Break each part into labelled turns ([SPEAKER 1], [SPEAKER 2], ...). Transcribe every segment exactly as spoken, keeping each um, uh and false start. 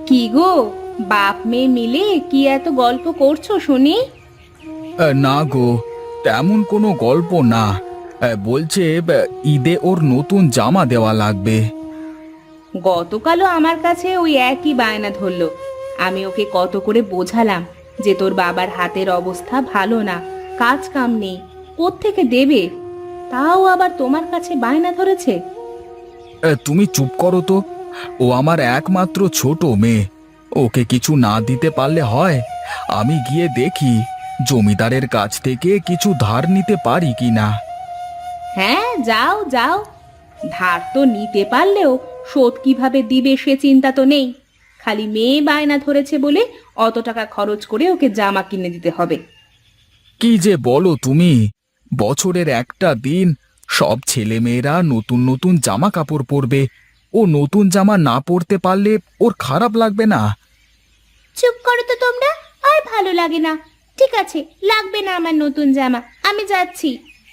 [SPEAKER 1] কি গো, বাপ মেয়ে মিলে কি এত গল্প করছো শুনি?
[SPEAKER 2] আ, না গো, তেমন কোনো গল্প না। আ, বলছে আ, ঈদে ওর নতুন জামা দেওয়া লাগবে।
[SPEAKER 1] গতকালও আমার কাছে ওই একই বায়না ধরলো। আমি ওকে কত করে বোঝালাম যে তোর বাবার হাতের অবস্থা ভালো না, কাজ কাম নেই, কোত্থেকে দেবে? তাও আবার তোমার কাছে বায়না ধরেছে।
[SPEAKER 2] আ, তুমি চুপ করো তো। ও আমার একমাত্র ছোট মেয়ে। ওকে কিছু না দিতে পারলে হয়? আমি গিয়ে দেখি জমিদারের কাছ থেকে কিছু ধার নিতে পারি কিনা।
[SPEAKER 1] হ্যাঁ, যাও যাও। ধার তো নিতে পারলেও শোধ কিভাবে দিবে সে চিন্তা তো নেই। খালি মেয়ে বায়না ধরেছে বলে অত টাকা খরচ করে ওকে জামা কিনে দিতে হবে।
[SPEAKER 2] কি যে বলো তুমি! বছরের একটা দিন সব ছেলেমেয়েরা নতুন নতুন জামা কাপড় পরবে। ও নতুন জামা না পরতে পারলে ওর খারাপ লাগবে না?
[SPEAKER 1] চুপ করো তো তোমরা, আর ভালো লাগে না। ঠিক আছে, লাগবে না আমার নতুন জামা, আমি যাচ্ছি।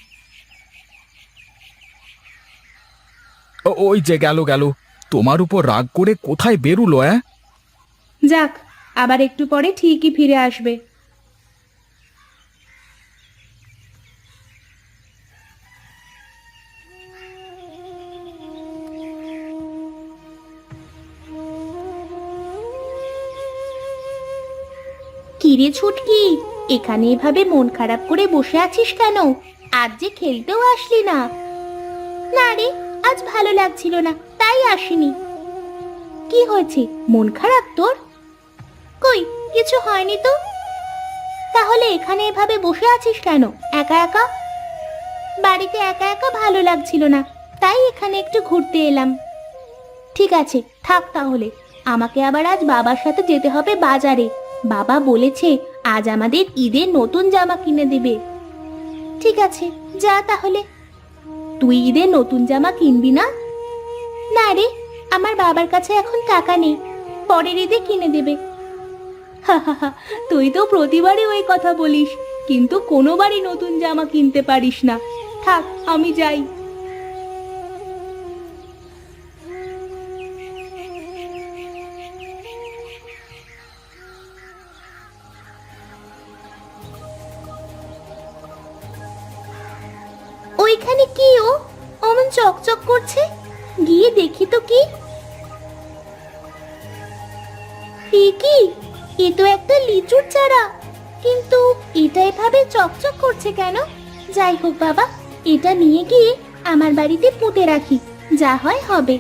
[SPEAKER 2] ও- ওই যে গেল গেল, তোমার উপর রাগ করে কোথায় বেরুলো? অ্যাঁ
[SPEAKER 1] যাক, আবার একটু পরে ঠিকই ফিরে আসবে। কিরে ছুটকি, এখানে এভাবে মন খারাপ করে বসে আছিস কেন? আজ যে খেলতেও আসলি না। না রে, আজ ভালো লাগছিল না, তাই আসিনি। কি হয়েছে, মন খারাপ তোর? কই, কিছু হয়নি তো। তাহলে এখানে এভাবে বসে আছিস কেন একা একা? বাড়িতে একা একা ভালো লাগছিল না, তাই এখানে একটু ঘুরতে এলাম। ঠিক আছে, থাক তাহলে। আমাকে আবার আজ বাবার সাথে যেতে হবে বাজারে। বাবা বলেছে আজ আমাদের ঈদের নতুন জামা কিনে দেবে। ঠিক আছে, যা তাহলে। তুই ঈদের নতুন জামা কিনবি না? না রে, আমার বাবার কাছে এখন টাকা নেই, পরের ঈদে কিনে দেবে। হা হা হা, তুই তো প্রতিবারই ওই কথা বলিস, কিন্তু কোনোবারই নতুন জামা কিনতে পারিস না। থাক, আমি যাই। ওইখানে কি ও অমন চকচক করছে? গিয়ে দেখি তো কি। এ কি, এ তো একটা লিচুর চারা, কিন্তু এটা এভাবে চকচক করছে কেন? যাই হোক বাবা, এটা নিয়ে গিয়ে আমার বাড়িতে পুঁতে রাখি, যা হয় হবে।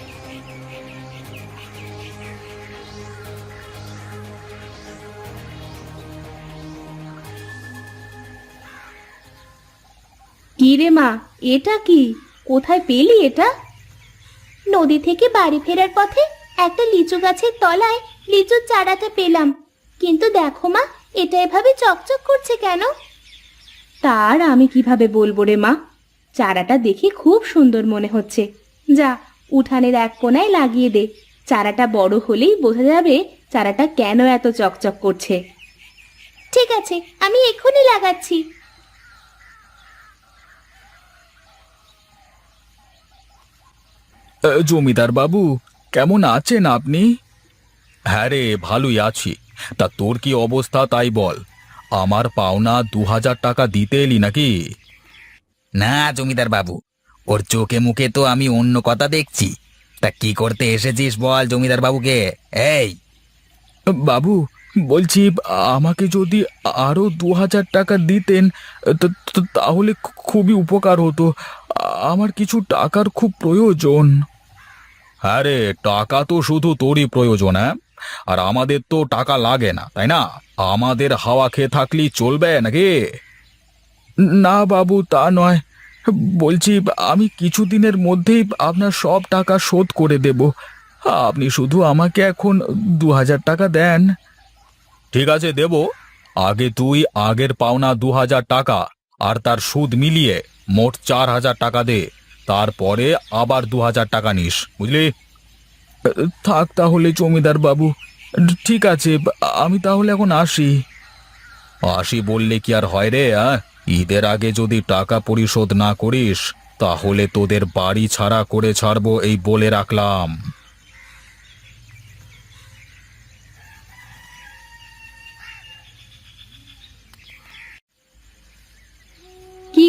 [SPEAKER 1] কি রে মা, এটা কি? কোথায় পেলি এটা? নদী থেকে বাড়ি ফেরার পথে একটা লিচু গাছের তলায় লিচুর চারাটা পেলাম। কিন্তু দেখো মা, এটা এভাবে চকচক করছে কেন? তার আমি কিভাবে বলবো রে মা, চারাটা দেখে খুব সুন্দর মনে হচ্ছে। যা, উঠানের এক কোণায় লাগিয়ে দে। চারাটা বড় হলেই বোঝা যাবে চারাটা কেন এত চকচক করছে। ঠিক আছে, আমি এক্ষুনি লাগাচ্ছি।
[SPEAKER 2] আ, জমিদার বাবু, কেমন আছেন আপনি? হ্যাঁ রে, ভালোই আছি। তা তোর কি অবস্থা তাই বল। আমার পাওনা দু হাজার টাকা দিতে এলি নাকি?
[SPEAKER 3] না জমিদার বাবু, ওর চোখে মুখে তো আমি অন্য কথা দেখছি। তা কি করতে এসেছিস বল জমিদার বাবুকে। এই,
[SPEAKER 2] বাবু, বলছি আমাকে যদি আরো দু হাজার টাকা দিতেন তো- তো- তাহলে খু- খুবই উপকার হতো। আমার কিছু টাকার খুব প্রয়োজন। হ্যাঁ রে, টাকা তো শুধু তোরই প্রয়োজন, হ্যাঁ? আর আমাদের তো টাকা লাগে না, তাই না? আমাদের হাওয়া খেয়ে থাকলেই চলবে নাকি? না বাবু, তা নয়। বলছি আমি কিছুদিনের মধ্যেই আপনার সব টাকা শোধ করে দেব। আপনি শুধু আমাকে এখন দু হাজার টাকা দেন। ঠিক আছে, দেব। আগে তুই আগের পাওনা দু হাজার টাকা আর তার সুদ মিলিয়ে মোট চার হাজার টাকা দে। তারপরে আবার দু হাজার টাকা নিস, বুঝলি? থাক তাহলে জমিদার বাবু। ঠিক আছে, আমি তাহলে এখন আসি। আসি বললে কি আর হয় রে? আ? ঈদের আগে যদি টাকা পরিশোধ না করিস তাহলে তোদের বাড়ি ছাড়া করে ছাড়বো, এই বলে রাখলাম।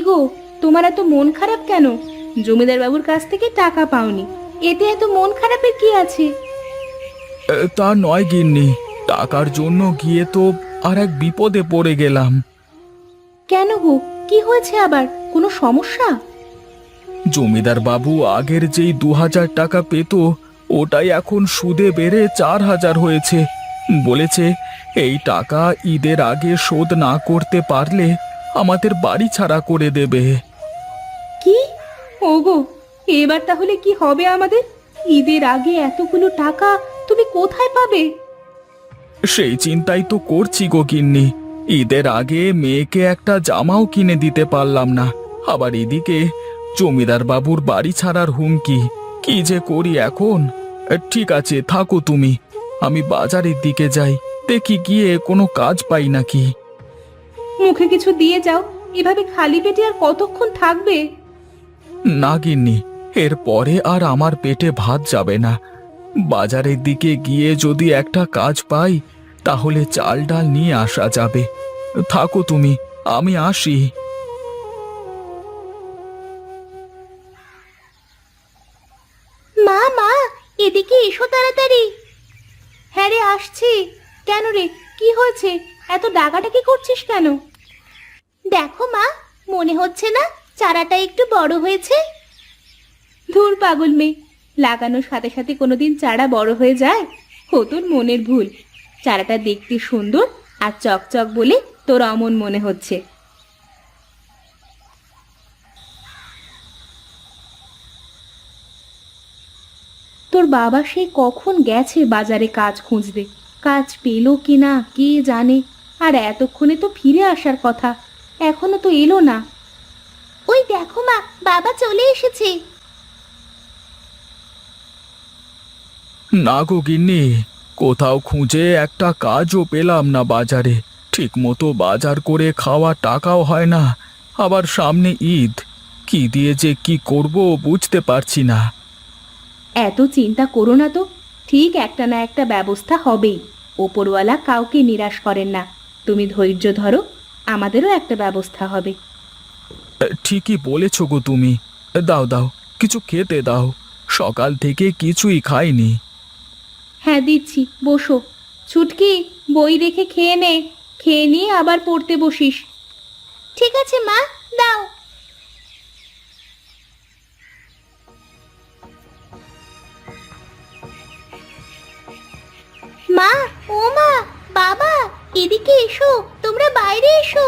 [SPEAKER 1] গো, তোমার এত মন খারাপ কেন? জমিদার বাবুর কাছ থেকে টাকা পাওনি, এতে এত মন খারাপের কি আছে?
[SPEAKER 2] এ, তা নয় গিন্নি, টাকার জন্য গিয়ে তো আর এক বিপদে পড়ে গেলাম।
[SPEAKER 1] কেন গো, কি হয়েছে আবার? কোনো সমস্যা?
[SPEAKER 2] জমিদার বাবু আগের যেই দু হাজার টাকা পেত, ওটাই এখন সুদে বেড়ে চার হাজার হয়েছে। বলেছে এই টাকা ঈদের আগে শোধ না করতে পারলে আমাদের বাড়ি ছাড়া করে দেবে।
[SPEAKER 1] কি? ওগো, এবার তাহলে কি হবে আমাদের? ঈদের আগে এতগুলো টাকা তুমি কোথায় পাবে?
[SPEAKER 2] সেই চিন্তাই তো করছি গো গিন্নি। ঈদের আগে মেয়েকে একটা জামাও কিনে দিতে পারলাম না, আবার এদিকে জমিদার বাবুর বাড়ি ছাড়ার হুমকি। কি যে করি এখন। ঠিক আছে, থাকো তুমি, আমি বাজারের দিকে যাই, দেখি গিয়ে কোনো কাজ পাই নাকি।
[SPEAKER 1] মুখে কিছু দিয়ে যাও, এভাবে খালি পেটে আর কতক্ষণ থাকবে?
[SPEAKER 2] না গিন্নি, এরপরে আর আমার পেটে ভাত যাবে না। বাজারের দিকে গিয়ে যদি একটা কাজ পাই তাহলে চাল ডাল নিয়ে আসা যাবে। থাকো তুমি, আমি আসি।
[SPEAKER 1] মা মা, এদিকে এসো তাড়াতাড়ি। হ্যাঁ রে, আসছি। কেন রে, কি হয়েছে? এত ডাকাডাকি করছিস কেন? দেখো মা, মনে হচ্ছে না চারাটা একটু বড় হয়েছে? ধুর পাগল মেয়ে, লাগানোর সাথে সাথে কোনোদিন চারা বড় হয়ে যায়? ও তোর মনের ভুল। চারাটা দেখতে সুন্দর আর চকচক বলে তোর অমন মনে হচ্ছে। তোর বাবা সে কখন গেছে বাজারে কাজ খুঁজতে, কাজ পেলো কিনা কে জানে। আর এতক্ষণে তো ফিরে আসার কথা, এখনো তো এলো না। ওই দেখো মা, বাবা চলে এসেছে।
[SPEAKER 2] না গো গিন্নি, কোথাও খুঁজে একটা কাজও পেলাম না বাজারে। ঠিক মতো বাজার করে খাওয়া টাকাও হয় না, আবার সামনে ঈদ। কি দিয়ে যে কি করব বুঝতে পারছি না।
[SPEAKER 1] এত চিন্তা করো না তো, ঠিক একটা না একটা ব্যবস্থা হবেই। ওপরওয়ালা কাউকে নিরাশ করেন না। তুমি ধৈর্য ধরো, আমাদেরও একটা ব্যবস্থা হবে।
[SPEAKER 2] ঠিকই বলেছ গো তুমি। দাও দাও, কিছু খেতে দাও, সকাল থেকে কিছুই খাইনি।
[SPEAKER 1] হ্যাঁ দিচ্ছি, বসো। ছুটকি, বই রেখে খেয়ে নে, খেয়ে নিয়ে আবার পড়তে বসিস। ঠিক আছে মা, দাও। মা, ও মা, বাবা, এদিকে এসো, তোমরা বাইরে এসো।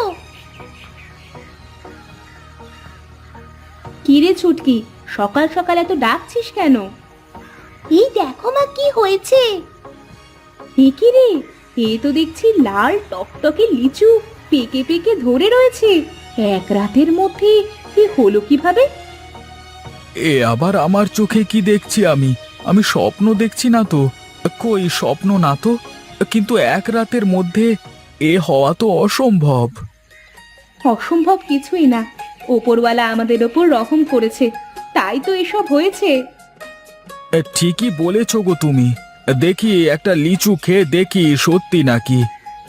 [SPEAKER 1] কি রে ছুটকি, সকাল সকাল এত ডাকছিস কেন? এই দেখো মা, কি হয়েছে। এ কি রে, এ তো দেখছি লাল টকটকে লিচু পেকে পেকে ধরে রয়েছে। এক রাতের মধ্যে এ হলো কিভাবে?
[SPEAKER 2] এ আবার আমার চোখে কি দেখছি আমি? আমি স্বপ্ন দেখছি না তো? কই, স্বপ্ন না তো, কিন্তু এক রাতের মধ্যে এ হওয়া তো অসম্ভব।
[SPEAKER 1] অসম্ভব কিছুই না, ওপরওয়ালা আমাদের ওপর রহম করেছে, তাই তো এসব হয়েছে।
[SPEAKER 2] এ, ঠিকই বলেছ গো তুমি। দেখি একটা লিচু খেয়ে দেখি সত্যি নাকি।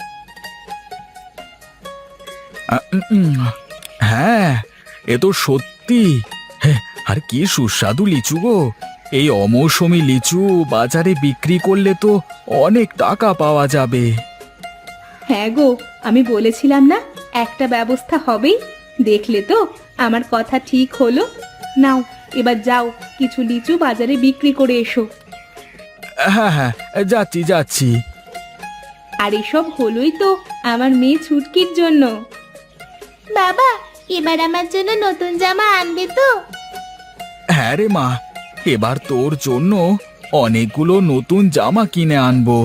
[SPEAKER 2] আ, উম, উম, হ্যাঁ, এ তো সত্যি। হ্যাঁ, আর কি সুস্বাদু লিচু গো। এই অমৌসুমী লিচু বাজারে বিক্রি করলে তো অনেক টাকা পাওয়া যাবে।
[SPEAKER 1] হ্যাঁ গো, আমি বলেছিলাম না একটা ব্যবস্থা হবেই। দেখলে তো আমার কথা ঠিক হলো। নাও, এবার যাও, কিছু লিচু বাজারে বিক্রি করে এসো।
[SPEAKER 2] হ্যাঁ হ্যাঁ, যাচ্ছি যাচ্ছি।
[SPEAKER 1] আর এসব হলোই তো আমার মেয়ে ছুটকির জন্য। বাবা, এবার আমার জন্য নতুন জামা আনবে তো?
[SPEAKER 2] হ্যাঁ রে মা, এবার তোর জন্য অনেকগুলো নতুন জামা কিনে আনবো।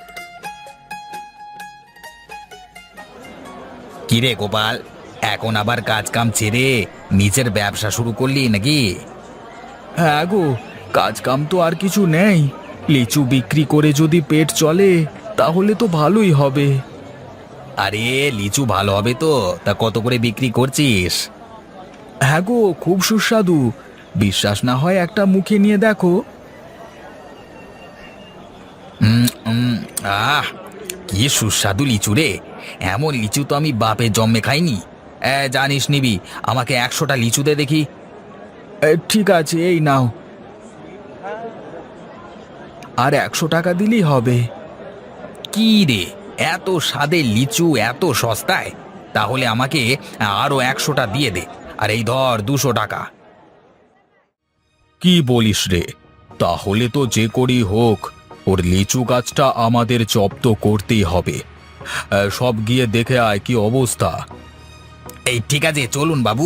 [SPEAKER 3] কিরে গোপাল, এখন আবার কাজ কাম ছেড়ে নিজের ব্যবসা শুরু করলি নাকি?
[SPEAKER 2] হ্যাঁ গো, কাজ কাম তো আর কিছু নেই। লিচু বিক্রি করে যদি পেট চলে তাহলে তো ভালোই হবে।
[SPEAKER 3] আরে লিচু ভালো হবে তো, তা কত করে বিক্রি করছিস?
[SPEAKER 2] হ্যাঁ গো, খুব সুস্বাদু। বিশ্বাস না হয় একটা মুখে নিয়ে দেখো।
[SPEAKER 3] উম, উম, আহ কি সুস্বাদু লিচু রে। এমন লিচু তো আমি বাপের জন্মে খাইনি। এ, জানিস নিবি, আমাকে একশোটা লিচু দে দেখি।
[SPEAKER 2] এ, ঠিক আছে, এই নাও। আর একশো টাকা দিলেই হবে।
[SPEAKER 3] কি রে, এত স্বাদের লিচু এত সস্তায়? তাহলে আমাকে আরো একশোটা দিয়ে দে। আর এই ধর দুশো টাকা।
[SPEAKER 2] কি বলিস রে? তাহলে তো যে করি হোক ওর লিচু গাছটা আমাদের জব্দ করতেই হবে। এ, সব গিয়ে দেখে আয় কি অবস্থা।
[SPEAKER 3] এই ঠিক আছে, চলুন বাবু।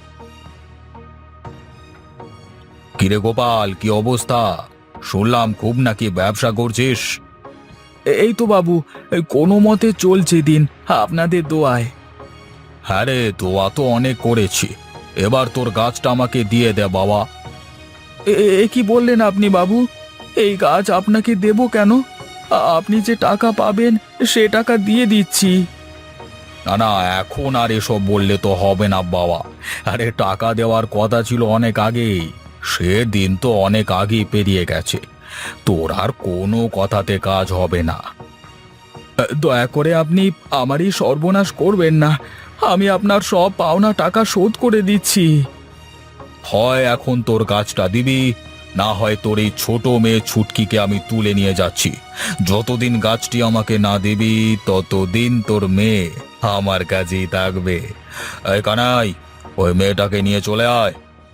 [SPEAKER 2] কিরে গোপাল, কি অবস্থা? শুনলাম খুব নাকি ব্যবসা করছিস। এই তো বাবু, এই কোনো মতে চলছে দিন, আপনাদের দোয়ায়। হ্যাঁ রে, দোয়া তো অনেক করেছি। এবার তোর গাছটা আমাকে দিয়ে দে বাবা। এ- এ কি বললেন আপনি বাবু? এই গাছ আপনাকে দেব কেন? আ- আপনি যে টাকা পাবেন সে টাকা দিয়ে দিচ্ছি। না না, এখন আর এসব বললে তো হবে না বাবা। আরে টাকা দেওয়ার কথা ছিল অনেক আগেই। সে দিন তো অনেক আগেই পেরিয়ে গেছে। তোর আর কোনো কথাতে কাজ হবে না। দয়া করে আপনি আমারই সর্বনাশ করবেন না। আমি আপনার সব পাওনা টাকা শোধ করে দিচ্ছি। হয় এখন তোর গাছটা দিবি, না হয় তোর এই ছোট মেয়ে ছুটকিকে আমি তুলে নিয়ে যাচ্ছি। যতদিন গাছটি আমাকে না দিবি ততদিন তোর মেয়ে আমার কাছেই থাকবে। এই কানাই, ওই মেয়েটাকে নিয়ে চলে আয়।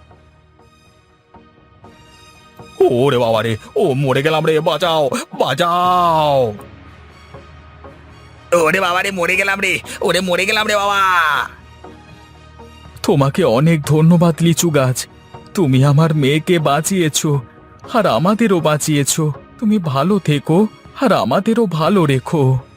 [SPEAKER 2] ওরে বাবা রে, ও মরে গেলাম রে, বাঁচাও বাঁচাও।
[SPEAKER 3] ওরে বাবা রে, মরে গেলাম রে, ওরে মরে গেলাম রে বাবা।
[SPEAKER 2] তোমাকে অনেক ধন্যবাদ লিচু গাছ। তুমি আমার মেয়েকে বাঁচিয়েছো, আর আমাদেরও বাঁচিয়েছো। তুমি ভালো থেকো আর আমাদেরও ভালো রেখো।